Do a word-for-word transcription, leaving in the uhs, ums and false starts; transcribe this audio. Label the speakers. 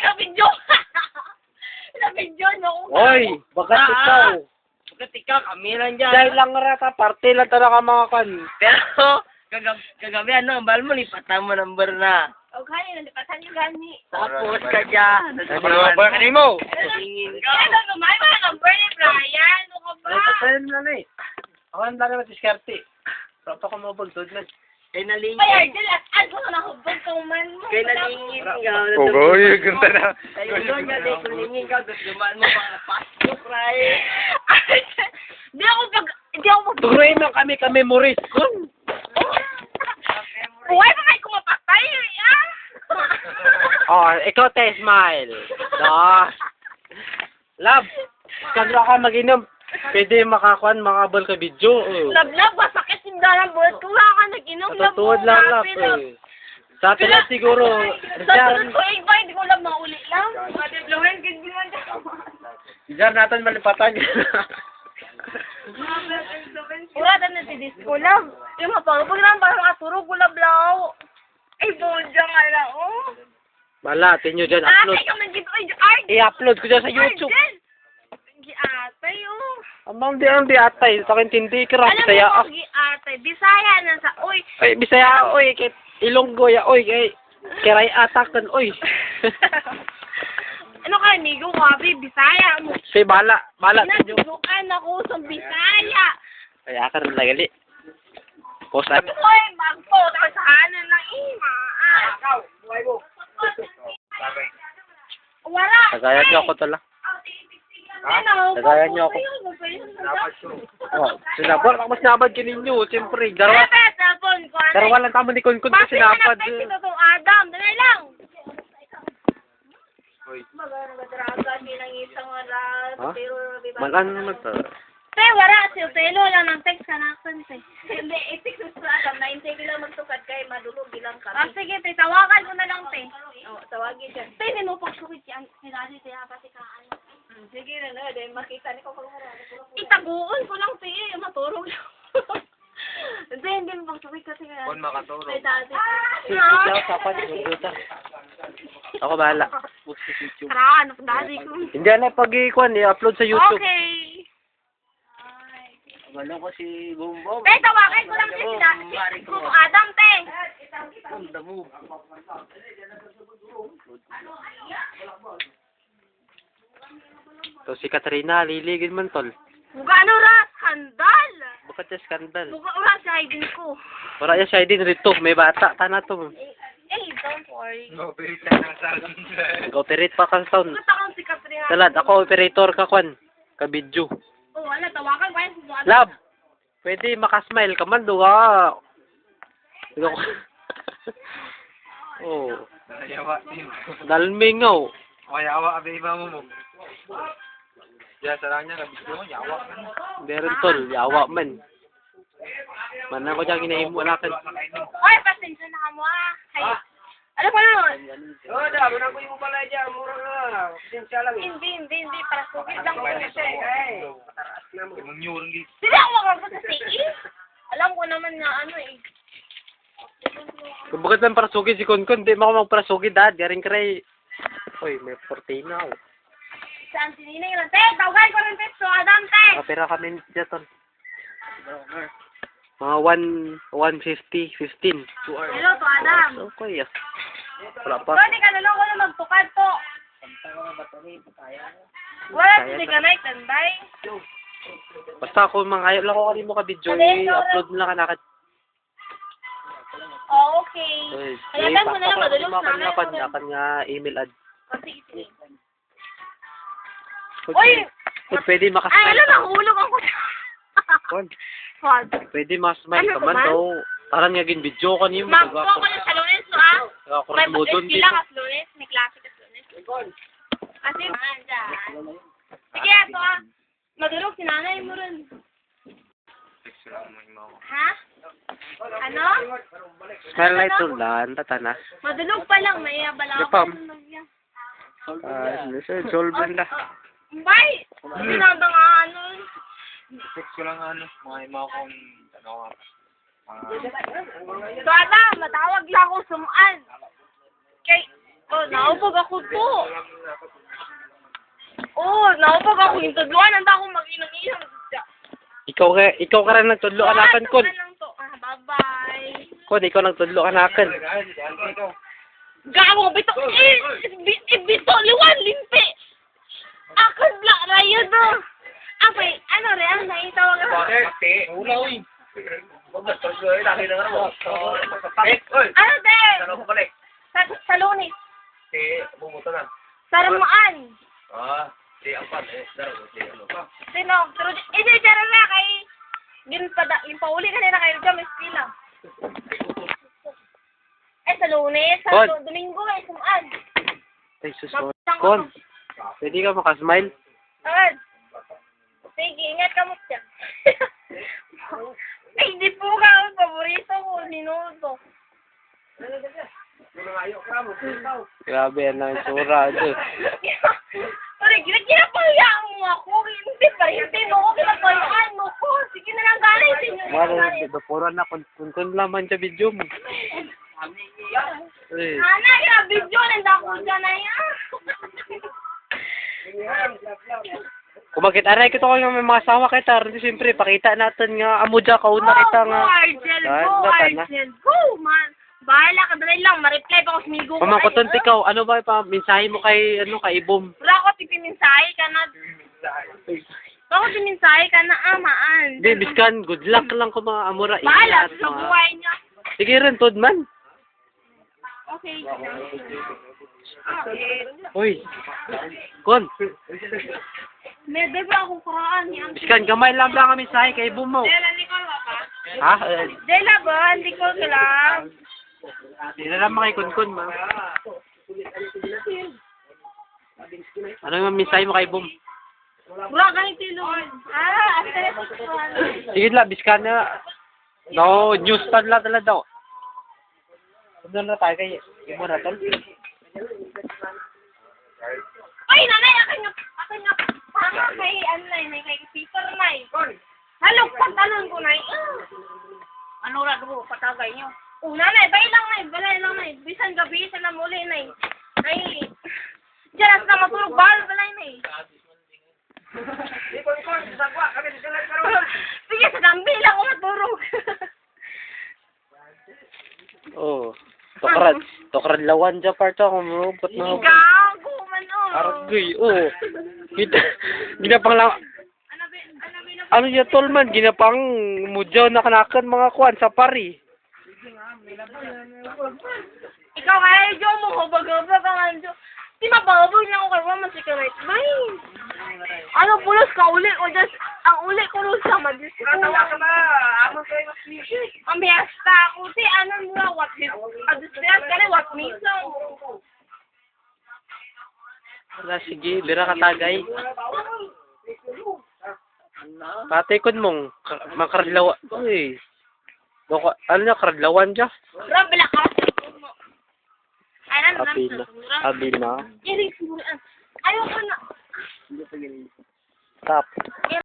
Speaker 1: Ka-video! Ka-video, no?
Speaker 2: Oy, bagat
Speaker 1: Ah,
Speaker 2: ikaw.
Speaker 1: Bakit ikaw, kami lang dyan.
Speaker 2: Dahil lang rata, parte lang talaga mga kan.
Speaker 1: Pero, kagab kagabi, ano, bal mo, lipatan mo number na. O, kaya, nalipatan niyo gani. Tapos ka dyan.
Speaker 2: Ano number? Ano mo?
Speaker 1: Tingin ka. Kaya, gumay mo ang number ni Brian. Ano ka ba?
Speaker 2: Ay, patayin na na eh. Ako ang dami matiskarte. Papa ko mabagdod na.
Speaker 1: Kaya nalingin.
Speaker 3: Kaya, dilat, ano na nahubog kang man mo.
Speaker 1: Kaya nalingin ka.
Speaker 4: Oo, yung ganda na.
Speaker 1: Kaya yun nga, dahil kung lingin ka, gusto dumaan mo pang pasok, Brian.
Speaker 3: Di ako pag, di ako pag,
Speaker 2: Turuin mo kami ka memories. Kun.
Speaker 3: buhay pa kayo kumapatay, ah.
Speaker 2: Oh, ikaw te, smile. No. Love, kagla ka mag-inom. Pwede makakuan, makabal ka video. Oh.
Speaker 3: Lablab, masakit yung dalang buhat ko. Wala ka nag-inom.
Speaker 2: Natutuwad lang, love. Eh. Sa atin lang siguro.
Speaker 3: Sa
Speaker 2: Diyan,
Speaker 3: sunod ko, eh, ba, hindi ko lang mauli lang. Madiblohin, ganyan.
Speaker 2: diyan natin malipatan.
Speaker 3: Wala na si Disco Love. Yung mapangapag lang, parang aturo ko lablaw. Ay, bodya nga lang, oh.
Speaker 2: Wala, tinyo dyan,
Speaker 3: Ate,
Speaker 2: upload.
Speaker 3: ka man dito, ay, Arden.
Speaker 2: I-upload ko dyan sa YouTube.
Speaker 3: Arden. Giatay, oh.
Speaker 2: Amang di ang di atay, sa akin tindi ka
Speaker 3: Alam
Speaker 2: Bisaya.
Speaker 3: mo
Speaker 2: Ah.
Speaker 3: kung giatay, Bisaya na sa, uy.
Speaker 2: Ay, Bisaya, oy, kay Ilonggo ya, oy, kay kiray atakan, oy.
Speaker 3: Ano ka, nigo ka, Bisaya mo.
Speaker 2: Say bala, bala tinyo.
Speaker 3: Nagdudukan ako sa Bisaya.
Speaker 2: Kaya ka rin lagali. Post at.
Speaker 3: Uy, magpo, tapos hanan ng ima. Ah. Wala.
Speaker 2: Tagayan niyo ako tala.
Speaker 3: Ano?
Speaker 2: Tagayan niyo ako. Oh, sinabot ako sinabad ka ninyo, siyempre. Darawa,
Speaker 3: Pepe, telepon ko.
Speaker 2: darawa lang tamo ni Kun Kun ko sinabad.
Speaker 3: Bakit na itong Adam? Dali lang. Magano ba draga nilang isang oras?
Speaker 2: Ha?
Speaker 3: Pero,
Speaker 2: Malan mo to.
Speaker 3: Te, wala. Si Utelo lang ng text ka na akin, te. Hindi, i-text mo sa Adam. nine-tay lang magtukad kay madulog bilang kami. Ah, sige, te. Tawagan ko na lang, te. Oo, tawagin siya. Te, hindi mo pagsukit siya. Sinali, te, pati ka, ano. Sige na, no. Dahil makita ni ko kung itaguon ko lang, te. Maturog lang. Hindi, hindi mo pagsukit kasi.
Speaker 4: Kung makaturo.
Speaker 3: Te, dati.
Speaker 2: Sige daw, sapat, guguta. Ako bahala.
Speaker 3: Tara, ano, dati ko.
Speaker 2: Hindi na pag-ikuan, i-upload sa YouTube.
Speaker 3: Okay.
Speaker 1: Wala ko si Bumbong.
Speaker 3: Te, tawagan ko lang si sila. Si Kung Adam, te.
Speaker 1: Ganda mo.
Speaker 2: To si Katrina, liligin man tol.
Speaker 3: Buga ano ra, skandal.
Speaker 2: Bukat siya skandal.
Speaker 3: Buga ura sa idin ko.
Speaker 2: Wala niya siya din rito, may bata, tana to.
Speaker 3: Eh, don't worry.
Speaker 4: No, pero siya na sa
Speaker 2: Nag-operate pa ka sound.
Speaker 3: Gusto akong si Katrina.
Speaker 2: Salad, ako operator ka kwan. Ka video.
Speaker 3: Oh, wala, tawagan ko yan si Adam.
Speaker 2: Love, pwede makasmile ka man, duha. Duha. Oh,
Speaker 4: Yawa, team.
Speaker 2: dalmingaw.
Speaker 4: O, yawa, abe, iba mo mo. Diyan, sarang niya, kabisyo mo, yawa.
Speaker 2: Meron tol, yawa man. Manan ko dyan ginahimo na kan.
Speaker 3: Oy, pasensya na ka mo ah. Hay. Ano pa nun?
Speaker 1: Oo, da. Muna ko yung pala dyan. Mura nga. Sinsya lang.
Speaker 3: Hindi, hindi, hindi. Para sugit lang ko siya.
Speaker 1: Ay.
Speaker 4: Mong nyurang gi.
Speaker 3: Sila ako makakot sa C E. Alam ko naman na ano eh.
Speaker 2: Kung bakit lang para sugid si Kunkun, di mo ako magparasugid dad. Garing kray. Uy, may fortina ako.
Speaker 3: Saan si Ninay lang? Te, tawagan ko ng text. So, Adam, te.
Speaker 2: Kapira kami dyan tol. Mga one, one fifty, fifteen. Two hours.
Speaker 3: Hello, to Adam.
Speaker 2: Okay, ah. Wala pa.
Speaker 3: Tony, kanalo ko na magtukad to. Wala si Ganay, tanday.
Speaker 2: Basta ako mga ayaw lang ko kanino mo ka video,
Speaker 3: Alin,
Speaker 2: i-upload mo lang ka nakad.
Speaker 3: Oh, okay.
Speaker 2: Uy,
Speaker 3: Hayatan mo na lang, madulog
Speaker 2: na
Speaker 3: namin.
Speaker 2: Akan nga, akan nga email ad.
Speaker 3: Oh, sige, sige.
Speaker 2: Kung,
Speaker 3: Uy!
Speaker 2: kung pwede
Speaker 3: Ay,
Speaker 2: makasmile
Speaker 3: alam,
Speaker 2: ka.
Speaker 3: nahulog ako.
Speaker 2: Kung
Speaker 3: What?
Speaker 2: pwede makasmile
Speaker 3: Ano
Speaker 2: ka
Speaker 3: ba
Speaker 2: man,
Speaker 3: man?
Speaker 2: so, parang nga gin video ko niyo.
Speaker 3: Magpo ko lang sa lunes, so ah.
Speaker 2: Ako
Speaker 3: May
Speaker 2: rin mo doon
Speaker 3: pag-eskwila
Speaker 2: dito.
Speaker 3: ka sa lunes, may klase ka sa lunes. Kasi, man, dyan. Sige, ito ah. Madulog si nanay mo rin. Ha? Ano?
Speaker 2: Smile na ito lang, tatana.
Speaker 3: Madulog pa lang, may abala
Speaker 2: Di
Speaker 3: ako.
Speaker 2: pa. Ah, uh, solve na.
Speaker 3: Bye! Sinanda nga ano.
Speaker 4: Text ko lang ano, mga ima kong, ano nga. Ah,
Speaker 3: So, ala, matawag lang ako sumuan. Kay, Oh, naupag ako to. Oh, naupag ako yung tudluan. Handa akong mag-inom-inom.
Speaker 2: Ikaw ka, ikaw ka rin nagtudlo anakan, Kon.
Speaker 3: lang to. Ah, bye-bye.
Speaker 2: Kon, ikaw nagtudlo anakan.
Speaker 3: Gago, bito. Eh, bi- eh, bito, liwan, limpi. Akad la, rayo do. Apay, ano re, ang naitawag ako.
Speaker 1: Pati. Ula, uy. Huwag na, tapos yun, laki na nga mo. Oy.
Speaker 3: Ano, de?
Speaker 1: Ano ko balik?
Speaker 3: Sa, sa lunis.
Speaker 1: Eh, bumuto na.
Speaker 3: Saramaan.
Speaker 1: Ah, di apat eh. Daro, di ano.
Speaker 3: Sino? Pero, eh, di, dyan na kay... Gin pa, da, yung pauli kanina kayo dyan, may skila. Eh, sa lunes, sa
Speaker 2: Kon.
Speaker 3: Lu- Domingo, eh, sumaan.
Speaker 2: Ay, sus, Kon. Pwede ka makasmile?
Speaker 3: Agad. Sige, ingat ka mo siya. Ay, hindi po ka. Ang paborito ko, sinuto.
Speaker 2: Grabe, ano yung sura, Diyos.
Speaker 3: Pare, ginapahayaan mo ako. Hindi pa, hindi mo ako ginapahayaan mo ko. Sige na lang galing. Sige na lang galing.
Speaker 2: Mga puro na kun-kun laman sa video mo. Eh,
Speaker 3: Ana, yung video, nanda ko dyan na yan.
Speaker 2: kung bakit aray ko to ko yung may mga asawa kita, rin siyempre, pakita natin nga, amo dyan, kauna kita nga.
Speaker 3: Go, Argel,
Speaker 2: Ah,
Speaker 3: go,
Speaker 2: dapat na.
Speaker 3: Argel. Go, man. Bahala ka, dali lang. Ma-reply pa ako sa migo ko.
Speaker 2: Pamangkuton, ikaw, ano ba pa, mensahe mo kay, ano, kay Ibom?
Speaker 3: Wala ko, pipiminsahe ka na. Wala ko, pipiminsahe ka na, amaan.
Speaker 2: Hindi, biskan, good luck lang kung mga amura.
Speaker 3: Bahala
Speaker 2: ingat,
Speaker 3: sa
Speaker 2: mga-
Speaker 3: buhay niya.
Speaker 2: Sige rin, Tudman.
Speaker 3: Okay. Okay.
Speaker 2: Uy, Kon,
Speaker 3: May ba akong kuraan niya?
Speaker 2: biskan, gamay lang lang kami mensahe kay Ibom mo.
Speaker 3: Dela, hindi ko ba?
Speaker 2: Ha? Eh,
Speaker 3: Dela ba? Hindi ko kailangan.
Speaker 2: Hindi na lang kay Kun-Kun, ma. Ano yung mensahe mo kay Ibom?
Speaker 3: Wala ka ni Tilon. Ah, ate.
Speaker 2: Sige lang, biskan na. No, news pad lang talaga daw. Ano na tayo kay Ibom na tol?
Speaker 3: Ay, nanay, akin nga, akin nga, tama kay, ano na yun, kay Peter na yun. Halo, pantalon ko na yun. Ano na doon, patagay niyo. Oh, nanay, bay lang na yun, balay lang na yun. Bisan gabi, sa na muli na yun. Ay, dyan na matulog, bahal, balay na yun. Sige, sa dambi lang ako matulog.
Speaker 2: Oh. Tokrad. Tokrad lawan dyan parto ako. Marubot na ako.
Speaker 3: Gago, man, oh.
Speaker 2: Argoy, oh. Kita, ginapang lang.
Speaker 3: Ano ba, ano ba, ano
Speaker 2: Ano yung tol man? Ginapang mudyaw na kanakan mga kuwan sa pari.
Speaker 3: Ikaw kaya, Jo, mo, hubag-hubag ka nga, Jo. Di mababag na ako kay Mama si Karet. Bay! Ano, pulos ka uli o just, ang uli ko rin sa madis.
Speaker 1: Natawa ka ba? Amo kayo mas music.
Speaker 3: Ang biyasta ako, si ano nila, what this, adus biyas ka rin, what miso.
Speaker 2: Wala, sige. Bira ka tagay. Patay kon mong. ka- Makaradlawan. Uy. Doko, ano na, karadlawan dyan?
Speaker 3: Grabe lang ka. Ay, ano,
Speaker 2: Abi na. Abi na.
Speaker 3: Ayaw ko na.
Speaker 2: Stop.